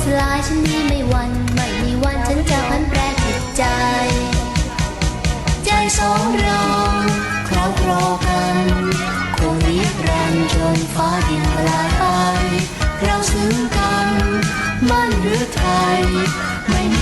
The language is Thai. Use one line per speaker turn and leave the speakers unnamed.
ลายฉันนี้ไม่หวั่นไม่มีวันฉันจะพันแปรจิตใจใจสองเราครอบครองกันคงนิรันดร์จนฟ้าดินทลายไปเราซึ้งกันมั่นหรือไทยไม่มี